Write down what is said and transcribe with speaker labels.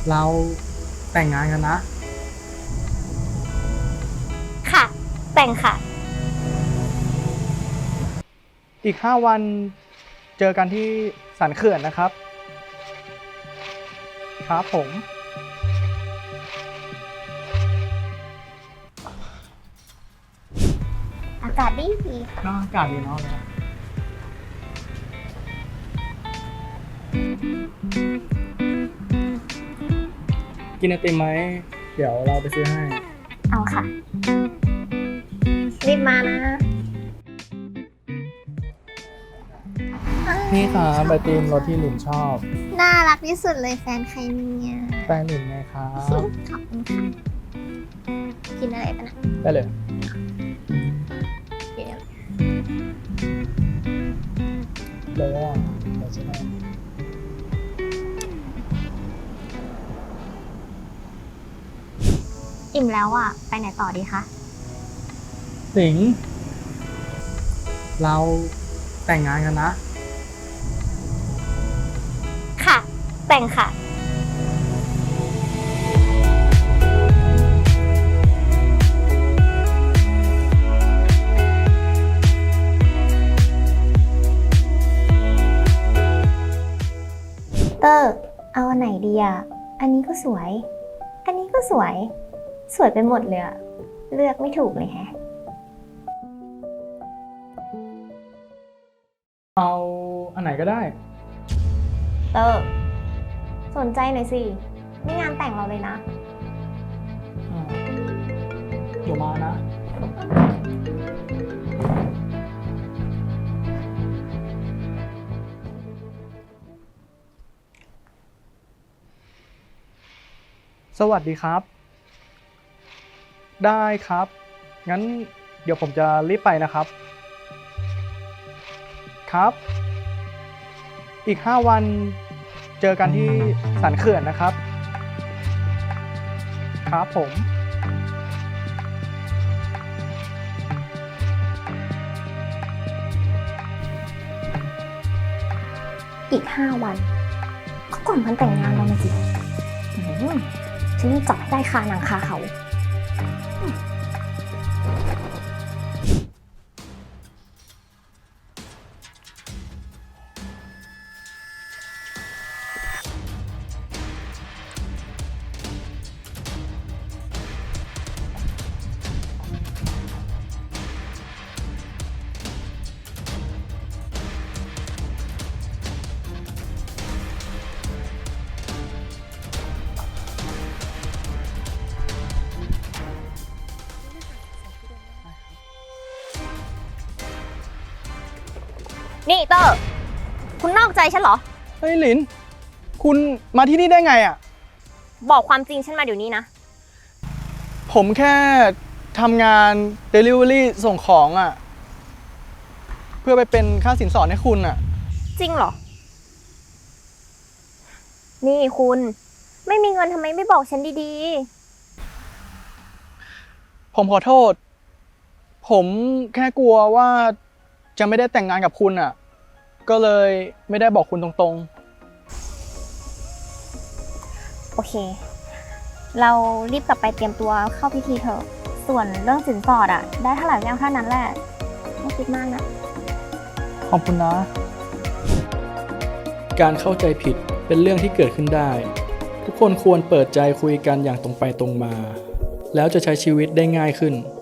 Speaker 1: เราแต่งงานกันนะ
Speaker 2: ค่ะแต่งค่ะ
Speaker 1: อีก5 วันเจอกันที่สันเขื่อนนะครับครับผม
Speaker 2: อากาศดี
Speaker 1: น่าอากาศดีเนาะกินไอติมไหมเดี๋ยวเราไปซื้อให้
Speaker 2: เอาค่ะรีบมานะ
Speaker 1: นี่ครับไอติมรสที่หลินชอบ
Speaker 2: น่ารักที่สุดเลยแฟนใครเนี่ย
Speaker 1: แฟนหลินไงครับ
Speaker 2: ขอบคุณค่ะกินอะไรปะนะ
Speaker 1: ได้เลย
Speaker 2: กินอะไร
Speaker 1: เลยว่าเดี๋ยวใช่ไหม
Speaker 2: อิ่มแล้วอ่ะไปไหนต่อดีคะ
Speaker 1: หลิงเราแต่งงานกันนะ
Speaker 2: ค่ะแต่งค่ะเตอร์เอาอันไหนดีอ่ะอันนี้ก็สวยอันนี้ก็สวยสวยไปหมดเลยอะเลือกไม่ถูกเลยแฮะ
Speaker 1: เอาอันไหนก็ได้
Speaker 2: เตอร์สนใจหน่อยสินี่งานแต่งเราเลยนะ
Speaker 1: เดี๋ยวมานะสวัสดีครับได้ครับงั้นเดี๋ยวผมจะรีบไปนะครับครับอีก5 วันเจอกันที่สันเขื่อนนะครับครับผม
Speaker 2: อีก5 วันก็ก่อนวันแต่งงานเรามาสิฉันจะจับให้ได้คาหนังคาเขานี่เตอร์คุณนอกใจฉันเหรอ
Speaker 1: เฮ้ยหลินคุณมาที่นี่ได้ไงอ่ะ
Speaker 2: บอกความจริงฉันมาเดี๋ยวนี้นะ
Speaker 1: ผมแค่ทำงาน Delivery ส่งของอ่ะเพื่อไปเป็นค่าสินสอดให้คุณอ่ะ
Speaker 2: จริงเหรอนี่คุณไม่มีเงินทำไมไม่บอกฉันดี
Speaker 1: ผมขอโทษผมแค่กลัวว่าจะไม่ได้แต่งงานกับคุณอ่ะก็เลยไม่ได้บอกคุณตรง
Speaker 2: ๆโอเคเรารีบกลับไปเตรียมตัวเข้าพิธีเถอะส่วนเรื่องสินสอดอะได้เท่าไหร่ก็เอาเท่านั้นแหละไม่คิดมากนะ
Speaker 1: ขอบคุณนะ
Speaker 3: การเข้าใจผิดเป็นเรื่องที่เกิดขึ้นได้ทุกคนควรเปิดใจคุยกันอย่างตรงไปตรงมาแล้วจะใช้ชีวิตได้ง่ายขึ้น